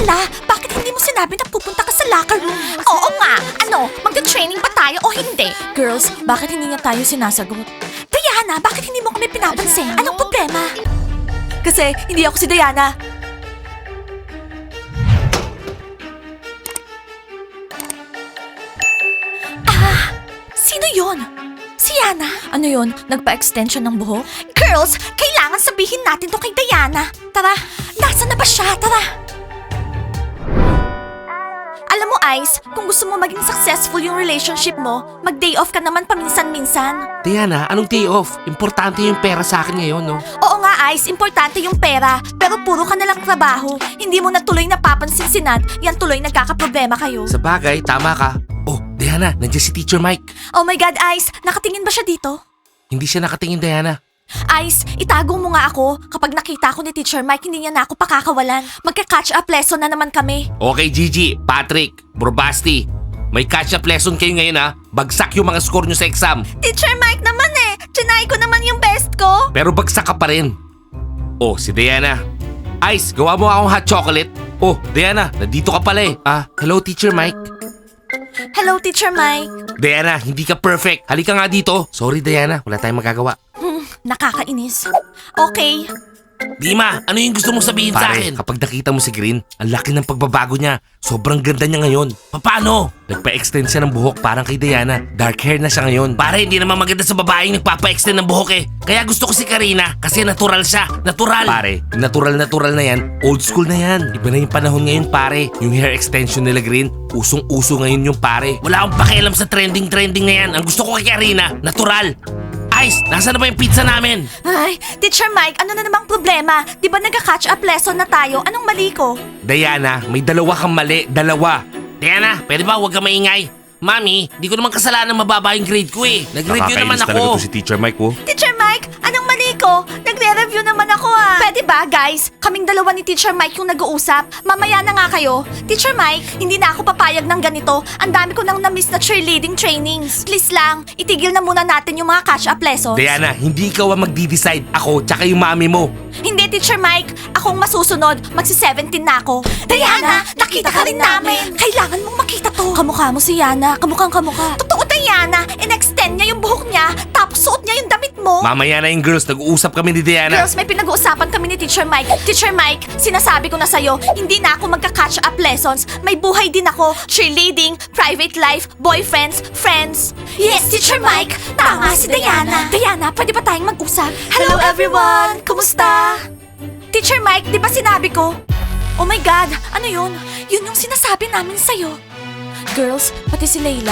Diana, bakit hindi mo sinabi na pupunta ka sa locker room? Oo nga. Ano, magte-training ba tayo o hindi? Girls, bakit hindi niya tayo sinasagot? Diana, bakit hindi mo kami pinapansin? Anong problema? Kasi hindi ako si Diana. Sino yon? Si Yana? Ano yon? Nagpa-extension ng buhok? Girls, kailangan sabihin natin to kay Diana. Tara, nasa na ba siya? Tara. Alam mo, Ice, kung gusto mo maging successful yung relationship mo, mag-day off ka naman paminsan-minsan. Diana, anong day off? Importante yung pera sa akin ngayon, no? Oo nga, Ice, importante yung pera. Pero puro ka nalang trabaho. Hindi mo na tuloy napapansin si Nat, yan tuloy nagkakaproblema kayo. Sa bagay, tama ka. Oh, Diana, nandiyan si Teacher Mike. Oh my God, Ice, nakatingin ba siya dito? Hindi siya nakatingin, Diana. Ice, itago mo nga ako. Kapag nakita ko ni Teacher Mike, hindi niya na ako pakakawalan. Magka-catch up lesson na naman kami. Okay, Gigi, Patrick, Borbasti. May catch-up lesson kayo ngayon, ha? Bagsak yung mga score nyo sa exam. Teacher Mike naman eh. Chinay ko naman yung best ko. Pero bagsak ka pa rin. Oh, si Diana. Ice, gawa mo akong hot chocolate. Oh, Diana, nandito ka pala eh. Hello, Teacher Mike. Hello, Teacher Mike. Diana, hindi ka perfect. Halika nga dito. Sorry, Diana. Wala tayong magagawa. Nakakainis. Okay. Dima, ano yung gusto mong sabihin sa akin? Kapag nakita mo si Green, ang laki ng pagbabago niya. Sobrang ganda niya ngayon. Paano? Nagpa-extend siya ng buhok parang kay Diana. Dark hair na siya ngayon. Pare, hindi naman maganda sa babaeng nagpapa-extend ng buhok eh. Kaya gusto ko si Karina kasi natural siya. Natural. Pare, yung natural na yan, old school na yan. Iba na yung panahon ngayon, pare. Yung hair extension nila Green, usong-uso ngayon yung pare. Wala akong pakialam sa trending na yan. Ang gusto ko kay Karina, natural. Ice, nasa na ba yung pizza namin? Ay, Teacher Mike, ano na namang problema? Di ba nagka-catch up lesson na tayo? Anong mali ko? Diana, may dalawa kang mali. Dalawa. Diana, pwede ba huwag ka maingay? Mami, di ko naman kasalanan mababa yung grade ko eh. Nag-review naman ako. si Teacher Mike, oh. Teacher Mike, anong mali ko? Nagre-review naman ako ah. Pwede ba, guys? Kaming dalawa ni Teacher Mike yung nag-uusap. Mamaya na nga kayo. Teacher Mike, hindi na ako papayag ng ganito. Ang dami ko nang na-miss na cheerleading trainings. Please lang, itigil na muna natin yung mga catch-up lessons. Diana, hindi ikaw ang magdi-decide. Ako, tsaka yung mami mo. Hindi, Teacher Mike. Akong masusunod. Magsi-17 na ako. Diana, nakita ka rin namin. Kailangan mong makita to. Kamukha mo si Yana. Kamukhang kamukha. Totoo, Diana. In-extend niya yung buhok niya, tapos suot niya yung damit mo. Mamaya na yung girls, nag-uusap kami ni Diana. Girls, may pinag-uusapan kami ni Teacher Mike. Teacher Mike, sinasabi ko na sa'yo, hindi na ako magka-catch up lessons. May buhay din ako. Cheerleading, private life, boyfriends, friends. Yes, Teacher Mike. Tama si Diana. Diana, pwede ba tayong mag-usap? Hello everyone! Kumusta? Teacher Mike, di ba sinabi ko? Oh my God, ano yun? Yun yung sinasabi namin sa'yo. Girls, pati si Layla.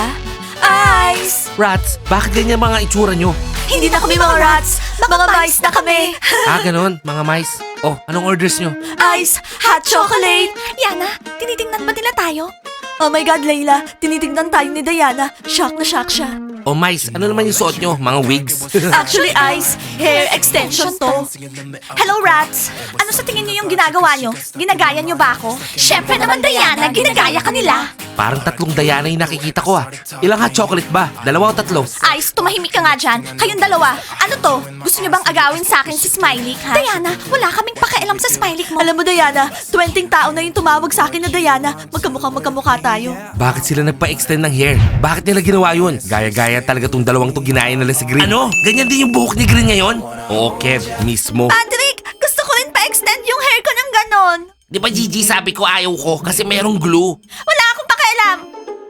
Ice! Rats, bakit ganyan mga itsura nyo? Hindi na kami mga rats, mga mice na kami. Ganon, mga mice. Oh, anong orders nyo? Ice, hot chocolate. Yana, tinitingnan ba nila tayo? Oh my God, Layla, tinitingnan tayo ni Diana. Shock na shock siya. Oh, mice, ano naman yung suot nyo? Mga wigs? Actually, Ice, hair extension to. Hello, rats. Ano sa tingin niyo yung ginagawa nyo? Ginagaya nyo ba ako? Syempre naman, Diana, ginagaya ka nila. Parang 3 Diana yung nakikita ko ah. Ilang hot chocolate ba? 2 o 3? Ice, tumahimik ka nga dyan. Kayong dalawa. Ano to? Gusto niyo bang agawin sa akin si Smiley, ha? Diana, wala kaming pakialam sa Smiley mo. Alam mo, Diana, 20 tao na yung tumawag sa akin na Diana. Magkamukha tayo. Bakit sila nagpa-extend ng hair? Bakit nila ginawa yun? Gaya-gaya talaga tong dalawang to ginaya nila si Green. Ano? Ganyan din yung buhok ni Green ngayon? Oo, Kev, mismo. Patrick, gusto ko rin pa-extend yung hair ko ng ganon. Di ba Gigi sabi ko ayaw ko kasi merong glue? Wala akong pakialam.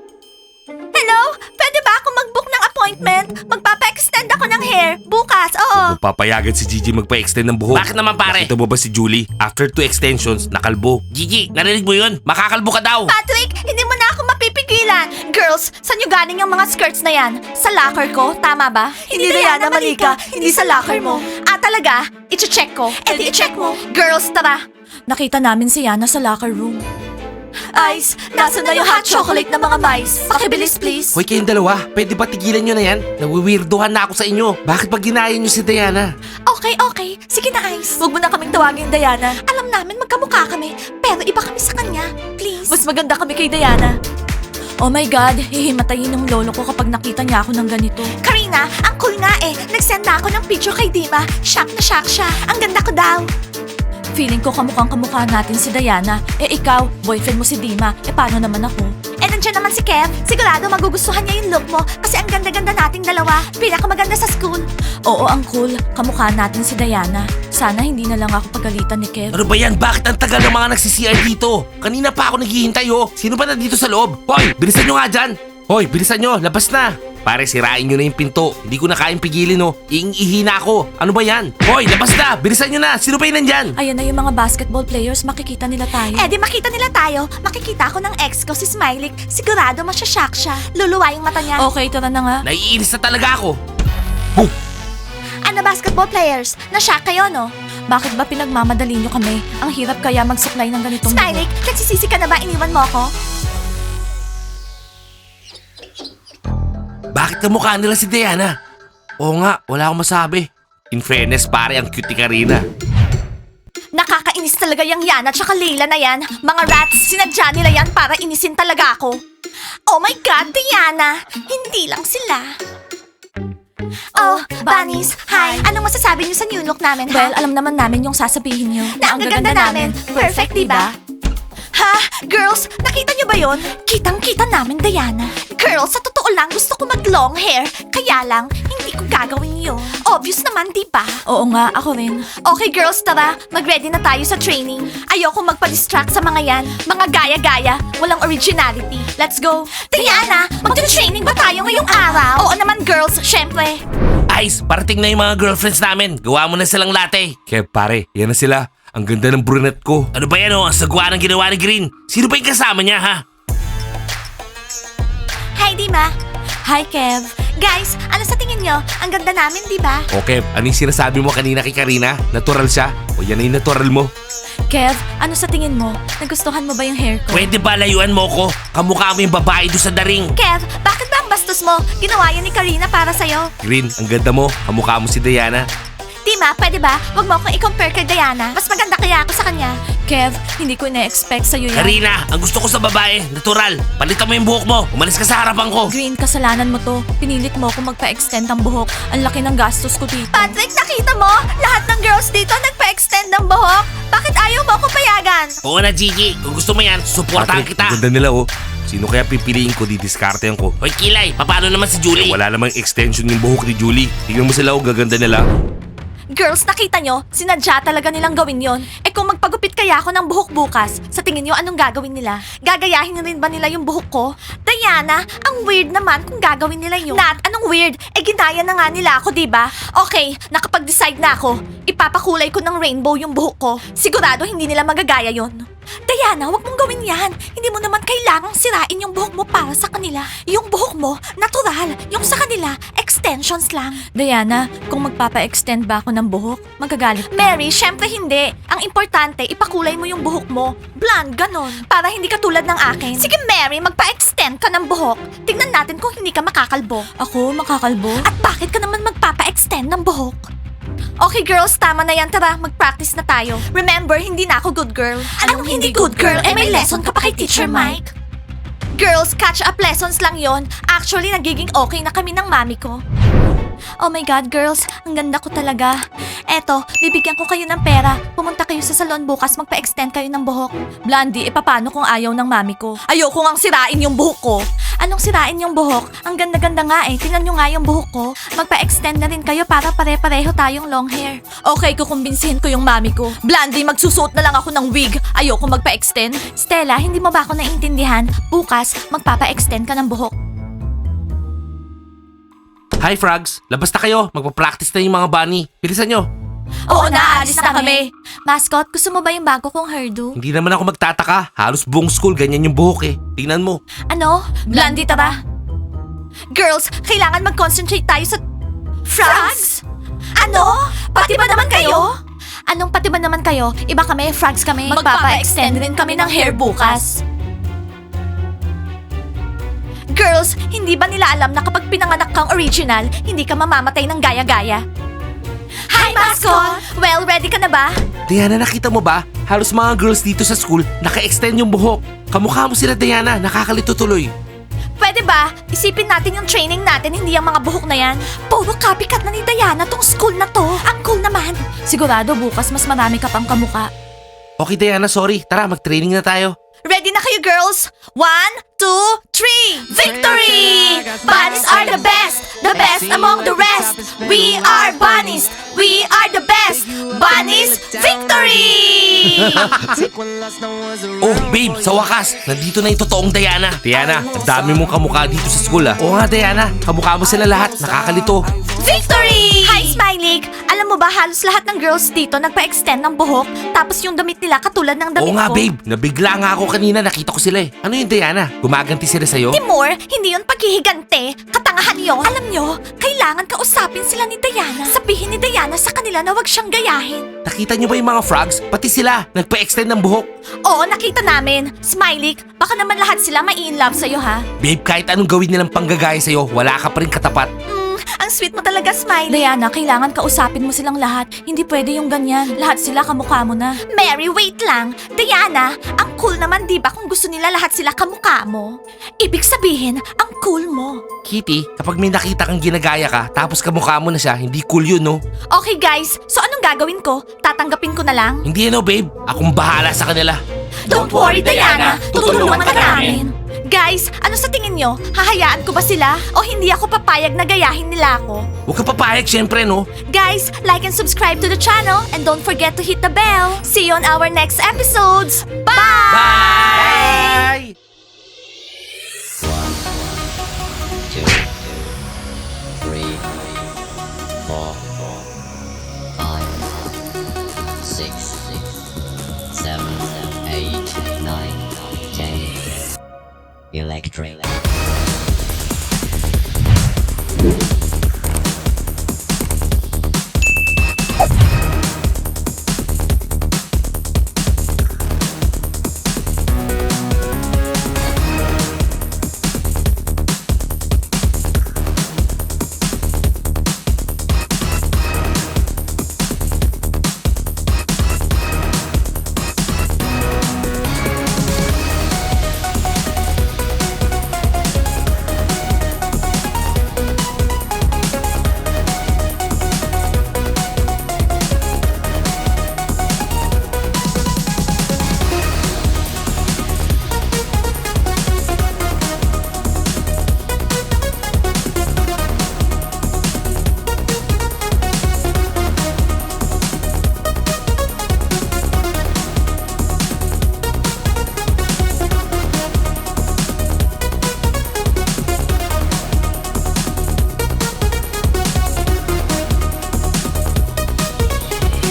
Hello? Pwede ba ako mag-book ng appointment? Magpapa-extend ako ng hair. Bukas, oo. Papayagan si Gigi magpa-extend ng buhok. Bakit naman pare? Nakita mo ba si Julie? After 2 extensions, nakalbo. Gigi, narinig mo yun? Makakalbo ka daw. Patrick, hindi mo na ako mapipigilan. Girls, saan nyo galing yung mga skirts na yan? Sa locker ko, tama ba? Hindi Diana, Malika. Hindi sa locker mo. Talaga? I-check ko. Di i-check mo. Girls, tara. Nakita namin si Yana sa locker room. Ice, nasa na yung hot chocolate na mga mice? Pakibilis, please. Hoy kayong dalawa, pwede ba tigilan nyo na yan? Nawiwirdohan na ako sa inyo. Bakit ba ginaya nyo si Diana? Okay. Sige na, Ice. Huwag mo na kaming tawagin, Diana. Alam namin magkamukha kami, pero iba kami sa kanya. Please. Mas maganda kami kay Diana. Oh my God, hihimatayin ng lolo ko kapag nakita niya ako ng ganito. Karina, ang cool nga eh. Nag-send na ako ng picture kay Dima. Shock na shock siya. Ang ganda ko daw. Feeling ko kamukhang-kamukha natin si Diana. Eh ikaw, boyfriend mo si Dima. Eh paano naman ako? Eh nandiyan naman si Kev. Sigurado magugustuhan niya yung look mo kasi ang ganda-ganda nating dalawa. Pinakamaganda sa school. Oo, ang cool. Kamukha natin si Diana. Sana hindi na lang ako pagalitan ni Kev. Ano ba yan? Bakit ang tagal ng mga nagsi-CR dito? Kanina pa ako naghihintay oh. Sino ba nandito sa loob? Hoy, bilisan nyo nga dyan. Hoy, bilisan nyo. Labas na. Pare, sirain nyo na yung pinto. Hindi ko na kayang pigilin oh. Iing-ihi na ako. Ano ba yan? Hoy, labas na. Bilisan nyo na. Sino ba yun nandyan? Ayan na yung mga basketball players. Makikita nila tayo. Eh di makita nila tayo. Makikita ako ng ex ko si Smiley. Sigurado masyashock siya. Luluwa yung mata niya. Okay, tara na nga. Naiinis na talaga ako. Ano basketball players? Na-shock kayo, no? Bakit ba pinagmamadali nyo kami? Ang hirap kaya magsuklay ng ganitong Smiley, nagsisisi ka na ba? Iniwan mo ako? Bakit kamukha nila si Diana? Oo nga, wala akong masabi. In fairness, pare, ang cute ni Karina. Nakakainis talaga yung Yana tsaka Leila na yan. Mga rats, sinadya nila yan para inisin talaga ako. Oh my God, Diana! Hindi lang sila. Oh, bunnies, hi! Anong masasabi niyo sa new look namin, ha? Well, alam naman namin yung sasabihin niyo. Na ang gaganda namin. Perfect, diba? Ha? Girls, nakita niyo ba yon? Kitang-kita namin, Diana. Girls, sa totoo lang, gusto ko mag-long hair. Kaya lang, hindi ko gagawin yun. Obvious naman, di ba? Oo nga, ako rin. Okay, girls, tara. Mag-ready na tayo sa training. Ayoko magpa-distract sa mga yan. Mga gaya-gaya. Walang originality. Let's go. Diana, mag-training ba tayo ngayong araw? Oo naman, girls. Syempre. Ice, parating na yung mga girlfriends namin. Gawa mo na silang latte. Kaya pare, yan na sila. Ang ganda ng brunette ko. Ano ba yan oh? Ang sagwa ng ginawa ni Green. Sino ba yung kasama niya ha? Hi, Dima. Hi, Kev. Guys, ano sa tingin nyo? Ang ganda namin, di ba? Okay, ano yung sinasabi mo kanina kay Karina? Natural siya? O yan na yung natural mo? Kev, ano sa tingin mo? Nagustuhan mo ba yung hair ko? Pwede ba layuan mo ko? Kamukha mo yung babae doon sa daring. Kev, bakit ba ang bastos mo? Ginawa yan ni Karina para sa'yo. Green, ang ganda mo. Kamukha mo si Diana. Dima, pwede ba? Huwag mo akong i-compare kay Diana. Mas maganda kaya ako sa kanya. Kev, hindi ko ina-expect sa'yo yan. Karina, ang gusto ko sa babae, natural. Palitan mo yung buhok mo. Umalis ka sa harapan ko. Green, kasalanan mo to. Pinilit mo akong magpa-extend ng buhok. Ang laki ng gastos ko dito. Patrick, nakita mo? Lahat ng girls dito nagpa-extend ng buhok. Bakit ayaw mo ako payagan? Oo na, Gigi. Kung gusto mo yan, suportahan kita. Ang ganda nila oh. Sino kaya pipiliin ko, didiskartehan ko? Hoy, Kilay, paano naman si Julie? Wala namang extension yung buhok ni Julie. Tingnan mo sila oh, gaganda nila. Girls, nakita nyo? Sinadya talaga nilang gawin yon. Eh kung magpagupit kaya ako ng buhok bukas, sa tingin nyo anong gagawin nila? Gagayahin rin ba nila yung buhok ko? Diana, ang weird naman kung gagawin nila yun. Nat, anong weird? Eh ginaya na nga nila ako, diba? Okay, nakapag-decide na ako. Ipapakulay ko ng rainbow yung buhok ko. Sigurado hindi nila magagaya yon. Diana, wag mong gawin yan. Hindi mo naman kailangang sirain yung buhok mo para sa kanila. Yung buhok mo, natural. Yung sa kanila, extensions lang. Diana, kung magpapa-extend ba ako ng buhok, magagalit ka. Mary, syempre hindi. Ang importante, ipakulay mo yung buhok mo. Blonde, ganon. Para hindi ka tulad ng akin. Sige Mary, magpa-extend ka ng buhok. Tingnan natin kung hindi ka makakalbo. Ako, makakalbo? At bakit ka naman magpapa-extend ng buhok? Okay girls, tama na yan. Tara, mag-practice na tayo. Remember, hindi na ako good girl. Anong hindi good girl? Eh may lesson ka pa kay Teacher Mike. Girls, catch-up lessons lang yon. Actually, nagiging okay na kami ng mami ko. Oh my God, girls, ang ganda ko talaga. Eto, bibigyan ko kayo ng pera. Pumunta kayo sa salon bukas, magpa-extend kayo ng buhok. Blondie, paano kung ayaw ng mami ko? Ayoko ngang sirain yung buhok ko. Anong sirain yung buhok? Ang ganda-ganda nga eh. Tingnan nyo nga yung buhok ko. Magpa-extend na rin kayo para pare-pareho tayong long hair. Okay, kukumbinsihin ko yung mami ko. Blondie, magsusuot na lang ako ng wig. Ayoko magpa-extend. Stella, hindi mo ba ako naiintindihan? Bukas, magpapa-extend ka ng buhok. Hi, Frogs. Labas na kayo. Magpa-practice na yung mga bunny. Bilisan nyo. Oo, naalis na kami. Mascot, gusto mo ba yung bago kong hairdo? Hindi naman ako magtataka. Halos buong school ganyan yung buhok eh. Tingnan mo. Ano? Blondie, tara. Girls, kailangan mag-concentrate tayo sa... Frogs? Ano? Pati ba naman kayo? Anong pati ba naman kayo? Iba kami, frogs kami. Magpapa-extend rin kami ng hair bukas. Girls, hindi ba nila alam na kapag pinanganak kang original, hindi ka mamamatay ng gaya-gaya? Hi, Mascot! Well, ready ka na ba? Diana, nakita mo ba? Halos mga girls dito sa school naka-extend yung buhok. Kamukha mo sila, Diana. Nakakalito tuloy. Pwede ba? Isipin natin yung training natin, hindi yung mga buhok na yan. Puro copycat na ni Diana tong school na to. Ang cool naman. Sigurado bukas mas marami ka pang kamukha. Okay Diana, sorry. Tara, mag-training na tayo. Ready na kayo, girls? 1, 2, 3. Victory! Bunnies are the best among the rest. We are bunnies, we are the best. Bunnies, victory! Oh, babe, sa wakas, nandito na yung totoong Diana. Diana, ang dami mong kamukha dito sa school ah. Oo nga Diana, kamukha mo sila lahat, nakakalito. Victory! Hi, Smiley! Alam mo ba, halos lahat ng girls dito nagpa-extend ng buhok, tapos yung damit nila katulad ng damit Oo nga ko. babe, nabigla nga ako kanina, nakita ko sila eh. Ano yung Diana? Gumaganti sila sa'yo? Timur, hindi yun paghihigante. Katangahan yun. Alam nyo, kailangan kausapin sila ni Diana. Sabihin ni Diana sa kanila na wag siyang gayahin. Nakita niyo ba yung mga frogs? Pati sila, nagpa-extend ng buhok. Oo, nakita namin. Smiley, baka naman lahat sila mai-inlove sa'yo, ha? Babe, kahit anong gawin nilang panggagaya sa'yo, wala ka pa rin katapat. Ang sweet mo talaga, Smiley. Diana, kailangan kausapin mo silang lahat. Hindi pwede yung ganyan. Lahat sila kamukha mo na. Mary, wait lang. Diana, ang cool naman, di ba, kung gusto nila lahat sila kamukha mo? Ibig sabihin, ang cool mo. Kitty, kapag may nakita kang ginagaya ka, tapos kamukha mo na siya, hindi cool yun, no? Okay, guys. So anong gagawin ko? Tatanggapin ko na lang? Hindi ano, babe. Akong bahala sa kanila. Don't worry, Diana. Tutulungan ka namin. Guys, ano sa tingin nyo? Hahayaan ko ba sila? O hindi ako papayag na gayahin nila ako? Huwag ka papayag, syempre, no? Guys, like and subscribe to the channel and don't forget to hit the bell. See you on our next episodes. Bye! Bye! Two, three, four, five, six, seven, eight, nine, 10. Electric.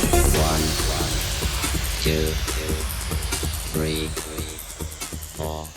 Two, three, four.